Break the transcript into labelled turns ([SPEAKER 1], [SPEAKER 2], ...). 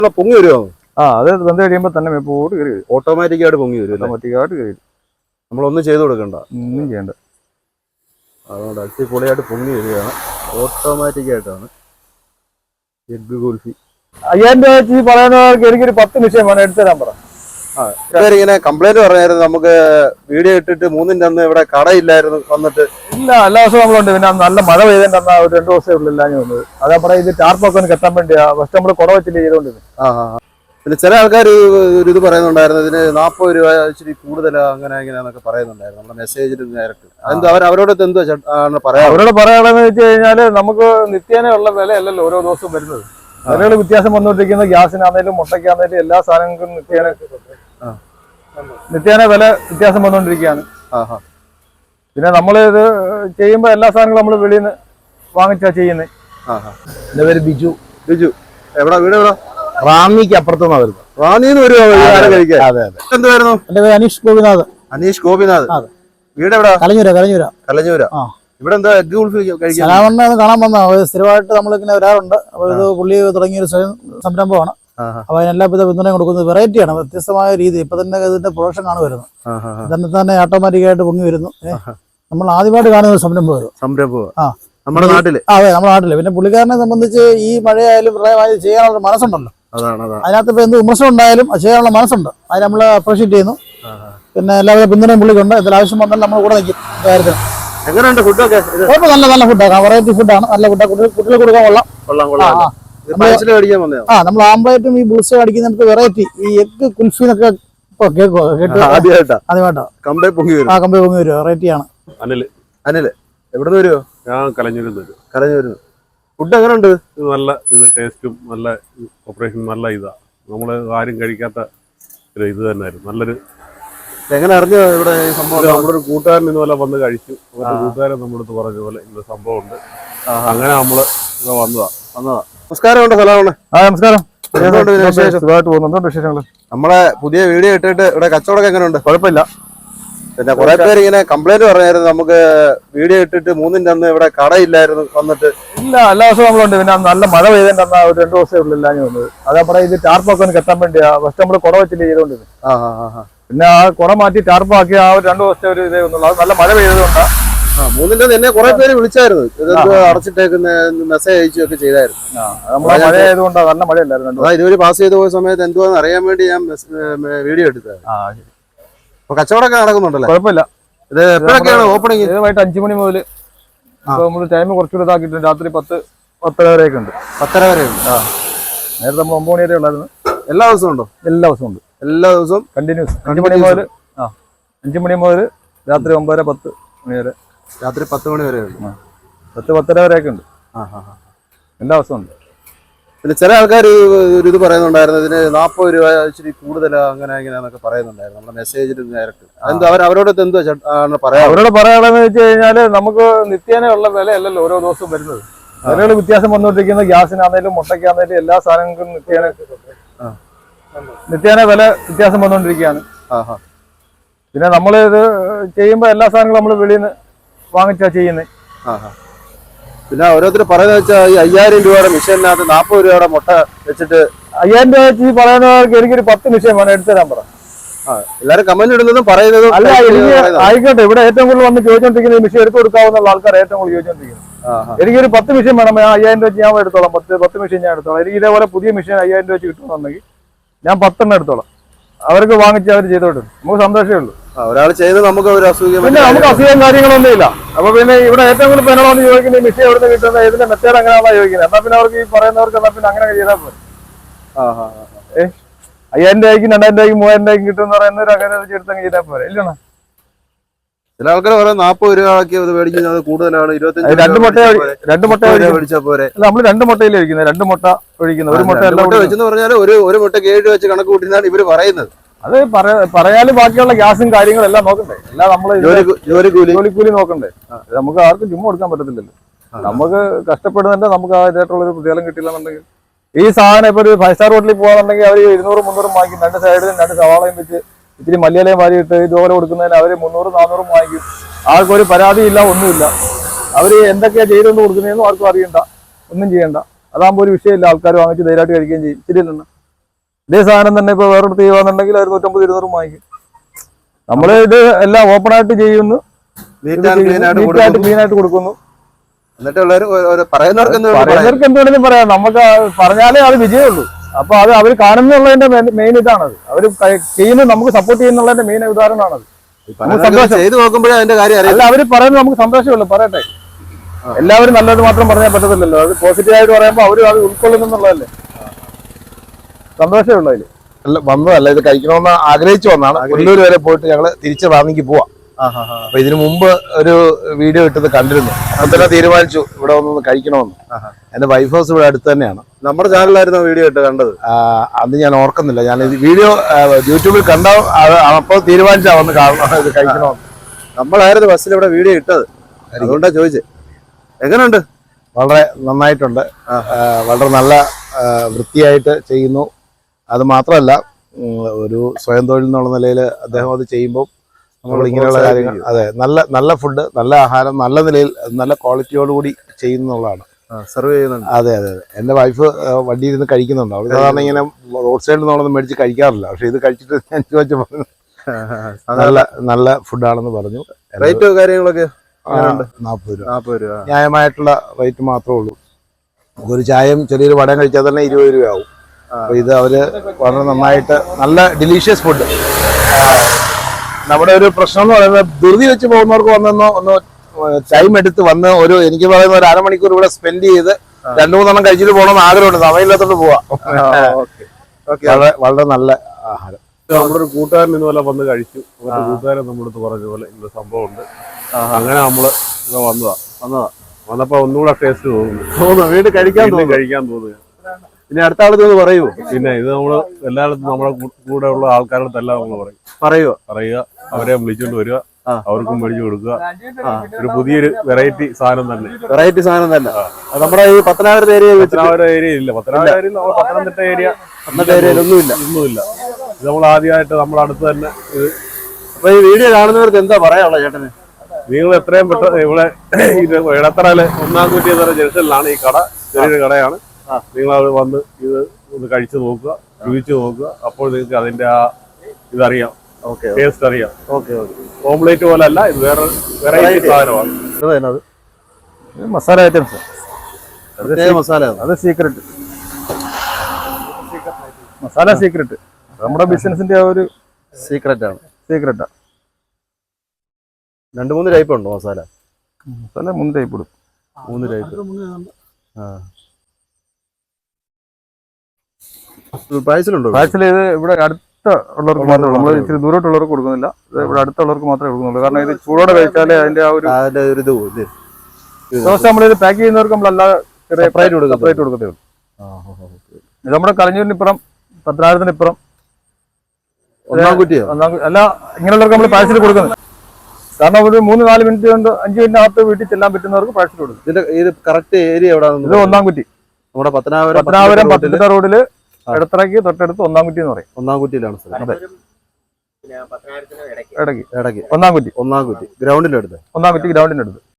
[SPEAKER 1] പൊങ്ങി വരുമോ?
[SPEAKER 2] അത് വെന്ത് കഴിയുമ്പോൾ തന്നെ മേപ്പോട്ട് കയറി വരും.
[SPEAKER 1] ഓട്ടോമാറ്റിക്കായിട്ട് പൊങ്ങി വരും.
[SPEAKER 2] ഓട്ടോമാറ്റിക്കായിട്ട് കയറി വരും.
[SPEAKER 1] നമ്മളൊന്നും ചെയ്ത് കൊടുക്കണ്ട,
[SPEAKER 2] ഒന്നും ചെയ്യണ്ട.
[SPEAKER 1] അതുകൊണ്ട് അടിപൊളിയായിട്ട് പൊങ്ങി വരികയാണ്. ഓട്ടോമാറ്റിക്കായിട്ടാണ് എഗ് കുൽഫി.
[SPEAKER 2] 5000 രൂപ വെച്ച് പറയുന്നവർക്ക് എനിക്കൊരു 10 നിമിഷം വേണം എടുത്തു തരാൻ പറ.
[SPEAKER 1] ഇങ്ങനെ കംപ്ലൈന്റ് പറഞ്ഞായിരുന്നു, നമുക്ക് വീഡിയോ ഇട്ടിട്ട് 3-ന്റെ അന്ന് ഇവിടെ കടയില്ലായിരുന്നു വന്നിട്ട്.
[SPEAKER 2] ഇല്ല, എല്ലാ ദിവസവും നമ്മളുണ്ട്. പിന്നെ നല്ല മഴ പെയ്തതിന്റെ അന്ന് ഒരു 2 ദിവസമേ ഉള്ളൂ ഇല്ലാഞ്ഞു വന്നത്. അതാ പറയാം, ഇത് ടാർപ്പൊക്കെ ഒന്ന് കെട്ടാൻ വേണ്ടിയാ ഫസ്റ്റ് നമ്മൾ കുട വെച്ചിട്ട് ചെയ്തോണ്ടിരുന്നത്.
[SPEAKER 1] പിന്നെ ചില ആൾക്കാർ ഒരു ഇത് പറയുന്നുണ്ടായിരുന്നു, ഇതിന് 40 രൂപ ഇച്ചിരി കൂടുതലാ അങ്ങനെ എങ്ങനെയാന്നൊക്കെ പറയുന്നുണ്ടായിരുന്നു നമ്മുടെ മെസ്സേജിൽ ഡയറക്റ്റ്. അതെന്താ അവരോട് എന്തോ പറയാം? അവരോട്
[SPEAKER 2] പറയാനുള്ളതെന്ന് വെച്ച് കഴിഞ്ഞാല് നമുക്ക് നിത്യേനയുള്ള വില അല്ലല്ലോ ഓരോ ദിവസവും വരുന്നത്. വിലകൾ വ്യത്യാസം വന്നുകൊണ്ടിരിക്കുന്നത് ഗ്യാസിനാണേലും മുട്ടയ്ക്കാണേലും എല്ലാ സാധനങ്ങൾക്കും നിത്യേന വില വ്യത്യാസം വന്നുകൊണ്ടിരിക്കുകയാണ്. പിന്നെ നമ്മൾ ഇത് ചെയ്യുമ്പോൾ എല്ലാ സാധനങ്ങളും നമ്മൾ വെളിയിൽ നിന്ന് വാങ്ങിച്ചാ ചെയ്യുന്നത്.
[SPEAKER 1] എന്റെ പേര് ബിജു. എവിടെ വീട്? എവിടെ? റാന്നിക്ക് അപ്പുറത്തുനിന്നാ വരുന്നത്. റാന്നിന്ന് വരുമോ കഴിക്കാൻ? അതെ അതെ. എന്തുവായിരുന്നു? എന്റെ പേര് അനീഷ് ഗോപിനാഥ്. വീട് എവിടെ? കലഞ്ഞൂര. ഇവിടെ എന്താ എഗ് കുൽഫി കഴിക്കാൻ
[SPEAKER 3] കാണാൻ വന്ന സ്ഥിരമായിട്ട് നമ്മളിങ്ങനെ വരാറുണ്ട്. അപ്പൊ ഇത് പുള്ളി തുടങ്ങിയൊരു സംരംഭമാണ്. അപ്പൊ അതിനെല്ലാവിധ പിന്തുണയും കൊടുക്കുന്നത്. വെറൈറ്റിയാണ്, വ്യത്യസ്തമായ രീതി. ഇപ്പൊ തന്നെ ഇതിന്റെ പ്രൊഡക്ഷൻ ആണ് വരുന്നത്. തന്നെ ഓട്ടോമാറ്റിക്കായിട്ട് പൊങ്ങി വരുന്നു. നമ്മൾ ആദ്യമായിട്ട് കാണുന്ന ഒരു സംരംഭം.
[SPEAKER 1] നമ്മുടെ നാട്ടില്.
[SPEAKER 3] അതെ, നമ്മുടെ നാട്ടില്. പിന്നെ പുള്ളിക്കാരനെ സംബന്ധിച്ച് ഈ മഴയായാലും പ്രളയമായാലും ചെയ്യാനുള്ള മനസ്സുണ്ടല്ലോ. അതിനകത്ത് ഇപ്പൊ എന്ത് വിമർശനം ഉണ്ടായാലും ചെയ്യാനുള്ള മനസ്സുണ്ട്. അത് നമ്മൾ അപ്രീഷിയേറ്റ് ചെയ്യുന്നു. പിന്നെ എല്ലാവിധ പിന്തുണയും പുള്ളിക്കുണ്ട്. എന്തെങ്കിലും ആവശ്യം വന്നാൽ നമ്മൾ കൂടെ നിൽക്കും കാര്യത്തിന്.
[SPEAKER 1] എങ്ങനെയുണ്ട് ഫുഡൊക്കെ?
[SPEAKER 3] നല്ല ഫുഡാണ്, വെറൈറ്റി ഫുഡാണ്, നല്ല ഫുഡാണ്. കുട്ടികൾ കൊടുക്കാൻ കൊള്ളാം. നമ്മൾ ആംപ്ലേറ്റും ഈ ബുൾസ അടിക്കുന്നിടത്ത് വെറൈറ്റി ഈ എഗ് കുൽഫി എന്നൊക്കെ ആദ്യമായിട്ടാ കമ്പേ പൊങ്ങി വരും. വെറൈറ്റിയാണ്.
[SPEAKER 1] അനില് എവിടെ വരുമോ?
[SPEAKER 4] ഞാൻ കലഞ്ഞൂരിൽ.
[SPEAKER 1] ഫുഡ് എങ്ങനെയുണ്ട്?
[SPEAKER 4] നല്ല ടേസ്റ്റും നല്ല ഓപ്പറേഷൻ നല്ല ഇതാ. നമ്മള് ആരും കഴിക്കാത്ത ഒരു ഇത് തന്നെയായിരുന്നു. നല്ലൊരു.
[SPEAKER 1] എങ്ങനെ അറിഞ്ഞു ഇവിടെ ഈ സംഭവം?
[SPEAKER 4] നമ്മുടെ ഒരു കൂട്ടുകാരൻ ഇതുപോലെ വന്ന് കഴിച്ചു. അവരുടെ കൂട്ടുകാരൻ നമ്മളടുത്ത് പറഞ്ഞ പോലെ ഇങ്ങനെ സംഭവം ഉണ്ട്. അങ്ങനെ നമ്മള് വന്നതാ.
[SPEAKER 1] നമസ്കാരം. സലാമാണ്.
[SPEAKER 2] നമസ്കാരം.
[SPEAKER 1] നമ്മളെ പുതിയ വീഡിയോ ഇട്ടിട്ട് ഇവിടെ കച്ചവടം എങ്ങനെയുണ്ട്?
[SPEAKER 2] കുഴപ്പമില്ല.
[SPEAKER 1] പിന്നെ കുറെ പേര് ഇങ്ങനെ കംപ്ലൈന്റ് പറഞ്ഞായിരുന്നു, നമുക്ക് വീഡിയോ ഇട്ടിട്ട് 3-ന്റെ അന്ന് ഇവിടെ കടയില്ലായിരുന്നു വന്നിട്ട്.
[SPEAKER 2] ഇല്ല, എല്ലാ ദിവസവും നമ്മളുണ്ട്. പിന്നെ നല്ല മഴ പെയ്തതിന്റെ അന്ന് ഒരു 2 ദിവസമേ ഉള്ളൂ ഇല്ലാഞ്ഞു വന്നത്. അതാ പറയാം, ഇത് ടാർപ്പൊക്കെ ഒന്ന് കെട്ടാൻ വേണ്ടിയാ ഫസ്റ്റ് നമ്മൾ കുട വെച്ചിട്ട് ചെയ്തോണ്ടിരുന്നത്. പിന്നെ ആ കുട മാറ്റി ടാർപ്പാക്കി ആ ഒരു 2 ദിവസത്തെ ഒരു ഇതേ ഒന്നുള്ളൂ. അത് നല്ല മഴ പെയ്തതുകൊണ്ടാ.
[SPEAKER 1] 3-ന്റെ എന്നെ കുറെ പേര് വിളിച്ചായിരുന്നു, ഇതെന്തോ അടച്ചിട്ടേക്കുന്ന മെസ്സേജ് അയച്ചൊക്കെ ചെയ്തായിരുന്നു.
[SPEAKER 2] നമ്മളെ മഴ ആയതുകൊണ്ടാ, നല്ല മഴയല്ലായിരുന്നു.
[SPEAKER 1] ഇതുവരെ പാസ് ചെയ്ത് പോയ സമയത്ത് എന്തുവാന്ന് അറിയാൻ വേണ്ടി ഞാൻ വീഡിയോ എടുത്തത്. അപ്പൊ കച്ചവടമൊക്കെ നടക്കുന്നുണ്ടല്ലോ?
[SPEAKER 2] കുഴപ്പമില്ല.
[SPEAKER 1] ഇത് എപ്പോഴൊക്കെയാണ് ഓപ്പണിംഗ്?
[SPEAKER 2] വൈകിട്ട് 5 മണി മുതൽ. നമ്മൾ ടൈം കുറച്ചുകൂടെ ഇതാക്കിയിട്ടുണ്ട്. രാത്രി 10-10:30 വരെയൊക്കെ ഉണ്ട്. 10:30 വരെ ഉണ്ട്. നേരത്തെ നമ്മൾ 9 മണി വരെ ഉള്ളായിരുന്നു.
[SPEAKER 1] എല്ലാ ദിവസവും ഉണ്ടോ?
[SPEAKER 2] എല്ലാ ദിവസവും ഉണ്ട്.
[SPEAKER 1] എല്ലാ ദിവസവും
[SPEAKER 2] കണ്ടിന്യൂസ്. 5 മണി മുതൽ രാത്രി 9-10 മണി വരെ.
[SPEAKER 1] രാത്രി 10 മണി വരെ ഉണ്ട്.
[SPEAKER 2] 10-10:30 വരെയൊക്കെ ഉണ്ട്. എല്ലാ ദിവസവും ഉണ്ട്.
[SPEAKER 1] പിന്നെ ചില ആൾക്കാർ ഒരു ഇത് പറയുന്നുണ്ടായിരുന്നു, ഇതിന് 40 രൂപ ഇച്ചിരി കൂടുതലാ അങ്ങനെ എങ്ങനെയാന്നൊക്കെ പറയുന്നുണ്ടായിരുന്നു നമ്മുടെ മെസ്സേജിൽ ഡയറക്റ്റ്. അതെന്താ അവരോട് എന്തോ പറയാം?
[SPEAKER 2] അവരോട് പറയാനുള്ളതെന്ന് വെച്ച് കഴിഞ്ഞാല് നമുക്ക് നിത്യേനയുള്ള വില അല്ലല്ലോ ഓരോ ദിവസവും വരുന്നത്. വിലകൾ വ്യത്യാസം വന്നുകൊണ്ടിരിക്കുന്നത് ഗ്യാസിനാണേലും മുട്ടയ്ക്കാണേലും എല്ലാ സാധനങ്ങൾക്കും നിത്യേന വില വ്യത്യാസം വന്നുകൊണ്ടിരിക്കുകയാണ്. പിന്നെ നമ്മൾ ഇത് ചെയ്യുമ്പോൾ എല്ലാ സാധനങ്ങളും നമ്മൾ വെളിയിൽ നിന്ന് വാങ്ങിച്ചാ ചെയ്യുന്നത്.
[SPEAKER 1] പിന്നെ ഓരോരുത്തർ പറയുന്നത് വെച്ചാൽ ഈ 5000 രൂപയുടെ മിഷീനകത്ത് 40 രൂപയുടെ മുട്ട വെച്ചിട്ട്
[SPEAKER 2] 5000 രൂപ വെച്ച് പറയുന്നവർക്ക് എനിക്കൊരു 10 നിമിഷം വേണം എടുത്തു തരാൻ പറ.
[SPEAKER 1] എല്ലാവരും കമന്റ് ഇടുന്നതും പറയുന്നതും
[SPEAKER 2] അല്ല. ആയിക്കോട്ടെ, ഇവിടെ ഏറ്റവും കൂടുതൽ വന്ന് ചോദിച്ചോണ്ടിരിക്കുന്ന ഈ മിഷീൻ എടുത്തു കൊടുക്കാവുന്ന ആൾക്കാർ ഏറ്റവും കൂടുതൽ ചോദിച്ചോണ്ടിരിക്കുന്നത്. എനിക്കൊരു 10 മിഷീൻ വേണം. 5000 രൂപ വെച്ച് ഞാൻ എടുത്തോളാം. 10 മിഷീൻ ഞാൻ എടുത്തോളാം. എനിക്ക് ഇതേപോലെ പുതിയ മിഷീൻ 5000 രൂപ വെച്ച് കിട്ടുന്നുണ്ടെങ്കിൽ ഞാൻ 10 എടുത്തോളാം. അവർക്ക് വാങ്ങിച്ച് അവർ ചെയ്തോട്ടെ, നമുക്ക് സന്തോഷമേ ഉള്ളൂ.
[SPEAKER 1] ഒരാൾ ചെയ്ത് നമുക്ക് ഒരു അസുഖം,
[SPEAKER 2] പിന്നെ നമുക്ക് അസുഖം കാര്യങ്ങളൊന്നും ഇല്ല. അപ്പൊ പിന്നെ ഇവിടെ ഏറ്റവും കൂടുതൽ പെനോന്ന് ചോദിക്കുന്നത് ഈ മിഷീൻ എവിടെ നിന്ന് കിട്ടുന്നത്, ഇതിന്റെ മെത്തേഡ് എങ്ങനെയാണോ ചോദിക്കുന്നത്. എന്നാ പിന്നെ അവർക്ക് ഈ പറയുന്നവർക്ക് എന്നാ പിന്നെ അങ്ങനെ ചെയ്താൽ പോലെ. 5000 രൂപയ്ക്കും 2000 രൂപയ്ക്കും 3000 രൂപയ്ക്കും കിട്ടുമെന്ന് പറയുന്ന അങ്ങനെ എടുത്തങ്ങ് ചെയ്താൽ പോലെ. ഇല്ലണ
[SPEAKER 1] ചില ആൾക്കാർ പറയാം 40 രൂപ മേടിക്കുന്നത് കൂടുതലാണ്. 25
[SPEAKER 2] 2 മുട്ട
[SPEAKER 1] മേടിച്ചാൽ പോരെ.
[SPEAKER 2] നമ്മൾ 2 മുട്ടയിൽ ഒഴിക്കുന്നത്. 2 മുട്ട ഒഴിക്കുന്നത്. ഒരു മുട്ട
[SPEAKER 1] വെച്ചെന്ന് പറഞ്ഞാൽ ഒരു മുട്ടയ്ക്ക് 7 വെച്ച് കണക്ക് കൂട്ടിനാണ് ഇവര് പറയുന്നത്.
[SPEAKER 2] അത് പറയാനും ബാക്കിയുള്ള ഗ്യാസും കാര്യങ്ങളും എല്ലാം നോക്കണ്ടേ. എല്ലാം നമ്മള് ജോലിക്കൂലി നോക്കണ്ടേ. നമുക്ക് ആർക്കും ചുമ്മാ കൊടുക്കാൻ പറ്റത്തില്ലല്ലോ. നമുക്ക് കഷ്ടപ്പെടുന്നുണ്ട്. നമുക്ക് ആയിട്ടുള്ളൊരു പ്രതിഫലം കിട്ടില്ലെന്നുണ്ടെങ്കിൽ ഈ സാധനം ഇപ്പൊ ഒരു 5 സ്റ്റാർ ഹോട്ടലിൽ പോകാന്നുണ്ടെങ്കിൽ അവർ 200-300 വാങ്ങിക്കും. 2 സൈഡിലും 2 സവാളയും വെച്ച് ഇത്തിരി മല്ലിയിലയും വാരിയിട്ട് ഇതുപോലെ കൊടുക്കുന്നതിന് അവർ 300-400 വാങ്ങിക്കും. ആർക്കൊരു പരാതിയില്ല, ഒന്നുമില്ല. അവര് എന്തൊക്കെയാ ചെയ്തുകൊണ്ട് കൊടുക്കുന്നതെന്നും ആർക്കും അറിയണ്ട, ഒന്നും ചെയ്യണ്ട. അതാകുമ്പോൾ ഒരു വിഷയമില്ല. ആൾക്കാർ വാങ്ങിച്ച് ധൈര്യമായിട്ട് കഴിക്കുകയും ചെയ്യും. ശരിയല്ലെന്ന് ഇതേ സാധനം തന്നെ ഇപ്പൊ വേറൊരു ചെയ്യുവാന്നുണ്ടെങ്കിൽ അവർ 150-200 വാങ്ങിക്കും. നമ്മള് ഇത് എല്ലാം ഓപ്പൺ ആയിട്ട് ചെയ്യുന്നു, ക്ലീൻ ആയിട്ട് കൊടുക്കുന്നു.
[SPEAKER 1] പറയുന്നവർക്ക്
[SPEAKER 2] എന്തുകൊണ്ടെങ്കിലും പറയാം, നമുക്ക് പറഞ്ഞാലേ അത് വിജയമുള്ളൂ. അപ്പൊ അത് അവർ കാണുന്നുള്ളതിന്റെ മെയിൻ ഇതാണത്. അവർ ചെയ്യുന്നത് നമുക്ക് സപ്പോർട്ട് ചെയ്യുന്നുള്ളതിന്റെ മെയിൻ ഉദാഹരണമാണത്.
[SPEAKER 1] ചെയ്ത് നോക്കുമ്പോഴേ അതിന്റെ കാര്യം
[SPEAKER 2] അല്ല, അവര് പറയുന്നത് നമുക്ക് സന്തോഷമുള്ളൂ. പറയട്ടെ, എല്ലാവരും നല്ലത് മാത്രം പറഞ്ഞാൽ പറ്റത്തില്ലല്ലോ. അത് പോസിറ്റീവായിട്ട് പറയുമ്പോൾ അവര് അത് ഉൾക്കൊള്ളുന്നുള്ളതല്ലേ, സന്തോഷമേ ഉള്ളൂ അതില്.
[SPEAKER 1] വന്നതല്ല, ഇത് കഴിക്കണമെന്ന് ആഗ്രഹിച്ചു വന്നാണ്. കൊല്ലൂർ വരെ പോയിട്ട് ഞങ്ങള് തിരിച്ച് റാന്നിക്ക് പോവാം. അപ്പൊ ഇതിനു മുമ്പ് ഒരു വീഡിയോ ഇട്ടത് കണ്ടിരുന്നു. അപ്പൊ തീരുമാനിച്ചു ഇവിടെ ഒന്ന് കഴിക്കണമെന്ന്. എന്റെ വൈഫ് ഹൗസ് ഇവിടെ അടുത്ത് തന്നെയാണ്. നമ്മുടെ ചാനലിലായിരുന്നു വീഡിയോ ഇട്ട് കണ്ടത്. അത് ഞാൻ ഓർക്കുന്നില്ല. ഞാൻ ഇത് വീഡിയോ യൂട്യൂബിൽ കണ്ട അപ്പോൾ തീരുമാനിച്ചാ വന്ന് കാണണം, ഇത് കഴിക്കണമെന്ന്. നമ്മളായിരുന്നു ബസ്സിൽ ഇവിടെ വീഡിയോ ഇട്ടത്, അതുകൊണ്ടാ ചോദിച്ചത്. എങ്ങനെയുണ്ട്? വളരെ നന്നായിട്ടുണ്ട്. വളരെ നല്ല വൃത്തിയായിട്ട് ചെയ്യുന്നു. അത് മാത്രമല്ല, ഒരു സ്വയം തൊഴിൽ എന്നുള്ള നിലയിൽ അദ്ദേഹം അത് ചെയ്യുമ്പോൾ നമ്മൾ ഇങ്ങനെയുള്ള കാര്യങ്ങൾ, അതെ, നല്ല ഫുഡ്, നല്ല ആഹാരം, നല്ല നിലയിൽ നല്ല ക്വാളിറ്റിയോടുകൂടി ചെയ്യുന്നുള്ളതാണ്. സെർവ് ചെയ്യുന്നുണ്ട്. അതെ അതെ അതെ. എൻ്റെ വൈഫ് വണ്ടിയിൽ ഇരുന്ന് കഴിക്കുന്നുണ്ട്. അവൾ സാധാരണ ഇങ്ങനെ റോഡ് സൈഡിൽ നിന്നൊന്നും മേടിച്ച് കഴിക്കാറില്ല. പക്ഷെ ഇത് കഴിച്ചിട്ട് ഞാൻ ചോദിച്ചപ്പോൾ നല്ല ഫുഡാണെന്ന് പറഞ്ഞു. റേറ്റ് കാര്യങ്ങളൊക്കെ 40 രൂപ ന്യായമായിട്ടുള്ള റേറ്റ് മാത്രമേ ഉള്ളൂ. ഒരു ചായയും ചെറിയൊരു വടയും കഴിച്ചാൽ തന്നെ 20 രൂപയാവും. അപ്പൊ ഇത് അവര് വളരെ നന്നായിട്ട് നല്ല ഡിലീഷ്യസ് ഫുഡ്. നമ്മുടെ ഒരു പ്രശ്നം എന്ന് പറയുന്നത്, ധൃതി വെച്ച് പോകുന്നവർക്ക് ഒന്ന് ടൈം എടുത്ത് വന്ന് എനിക്ക് പറയുന്ന ഒരു അരമണിക്കൂർ ഇവിടെ സ്പെൻഡ് ചെയ്ത് 2-3 കഴിച്ചിട്ട് പോകണമെന്ന് ആഗ്രഹമുണ്ട്. സമയമില്ലാത്തോണ്ട് പോവാം. വളരെ നല്ല ആഹാരം.
[SPEAKER 4] നമ്മുടെ ഒരു കൂട്ടുകാരൻ ഇതുപോലെ വന്ന് കഴിച്ചു. അവരുടെ കൂട്ടുകാരൻ നമ്മുടെ അടുത്ത് പറഞ്ഞ പോലെ ഇന്ന സംഭവം ഉണ്ട്. അങ്ങനെ നമ്മള് വന്നപ്പോ ഒന്നുകൂടെ ടേസ്റ്റ് തോന്നുന്നു.
[SPEAKER 1] വീട് കഴിക്കാൻ
[SPEAKER 4] തോന്നുക.
[SPEAKER 1] പിന്നെ അടുത്ത ആളത്ത് പറയൂ.
[SPEAKER 4] പിന്നെ ഇത് നമ്മള് എല്ലായിടത്തും നമ്മുടെ കൂടെ ഉള്ള ആൾക്കാരുടെ എല്ലാം നമ്മൾ പറയുക, അവരെ വിളിച്ചോണ്ട് വരിക, അവർക്കും മേടിച്ചു കൊടുക്കുക. ഒരു പുതിയൊരു വെറൈറ്റി സാധനം തന്നെ.
[SPEAKER 1] നമ്മുടെ ഈ പത്തനാപുരത്തെ
[SPEAKER 4] ഏരിയ ഇല്ല. പത്തനംതിട്ട ഏരിയ ഒന്നുമില്ല. ഇത് നമ്മൾ ആദ്യമായിട്ട് നമ്മുടെ അടുത്ത് തന്നെ.
[SPEAKER 1] അപ്പൊ ഈ വീഡിയോ കാണുന്നവർക്ക് എന്താ പറയാനുള്ളത് ചേട്ടന്?
[SPEAKER 4] നിങ്ങൾ എത്രയും പെട്ടെന്ന് ഇവിടെ ഇടത്തറയില് 1-ാം കുറ്റി ജംഗ്ഷനിലാണ് ഈ കട. ചെറിയൊരു കടയാണ്. നിങ്ങൾ അവിടെ വന്ന് ഇത് ഒന്ന് കഴിച്ചു നോക്കുക, രുചിച്ചു നോക്കുക. അപ്പോൾ നിങ്ങൾക്ക് അതിന്റെ ആ ഇതറിയാം, ടേസ്റ്റ് അറിയാം. ഓംലേറ്റ് പോലെ അല്ല, ഇത് വേറെ വെറൈറ്റി സാധനമാണ്.
[SPEAKER 2] മസാല ഐറ്റംസ്, അത് സീക്രട്ട് മസാല, സീക്രട്ട് നമ്മുടെ ബിസിനസിന്റെ ഒരു
[SPEAKER 1] സീക്രട്ടാണ്.
[SPEAKER 2] 2-3 ടൈപ്പ് ഉണ്ടോ മസാല? 3 ടൈപ്പ് ഇടും. 3 ടൈപ്പ്. പാഴ്സൽ ഇത് ഇവിടെ അടുത്ത ഉള്ളവർക്ക് മാത്രമേ, നമ്മൾ ഇച്ചിരി ദൂരോട്ടുള്ളവർക്ക് കൊടുക്കുന്നില്ല. ഇത് ഇവിടെ അടുത്തുള്ളവർക്ക് മാത്രമേ കൊടുക്കുന്നുള്ളൂ. കാരണം ഇത് ചൂടോടെ കഴിച്ചാലേ അതിന്റെ ആ ഒരു ദോശ നമ്മളിത് പാക്ക് ചെയ്യുന്നവർക്ക് നമ്മളല്ലാതെ സെപ്പറേറ്റ് കൊടുക്കത്തേ ഉള്ളൂ. ഇത് നമ്മുടെ കളഞ്ഞൂരിനിപ്പുറം, പത്തനാപുരത്തിനിപ്പുറം,
[SPEAKER 1] 1-ാം കുറ്റി
[SPEAKER 2] അല്ല, ഇങ്ങനെയുള്ളവർക്ക് നമ്മൾ പാഴ്സൽ കൊടുക്കുന്നത്. കാരണം ഒരു 3-4 മിനിറ്റ് കൊണ്ട് 5 മിനിറ്റിനകത്ത് വീട്ടിൽ ചെല്ലാൻ പറ്റുന്നവർക്ക് പാഴ്സൽ കൊടുക്കും.
[SPEAKER 1] ഇത് കറക്റ്റ് ഏരിയ എവിടെയാണ്?
[SPEAKER 2] ഇത് 1-ാം കുറ്റി,
[SPEAKER 1] നമ്മുടെ പത്തനാപുരം
[SPEAKER 2] പത്തനംതിട്ട റോഡില് ഇടത്തറയ്ക്ക് തൊട്ടടുത്ത് 1-ാം കുറ്റി എന്ന് പറയും.
[SPEAKER 1] 1-ാം കുറ്റിയിലാണ്
[SPEAKER 2] അതെ, ഇടയ്ക്ക് 1-ാം കുറ്റി,
[SPEAKER 1] ഗ്രൗണ്ടിന്റെ അടുത്ത്.
[SPEAKER 2] 1-ാം കുറ്റി ഗ്രൗണ്ടിന്റെ അടുത്ത്.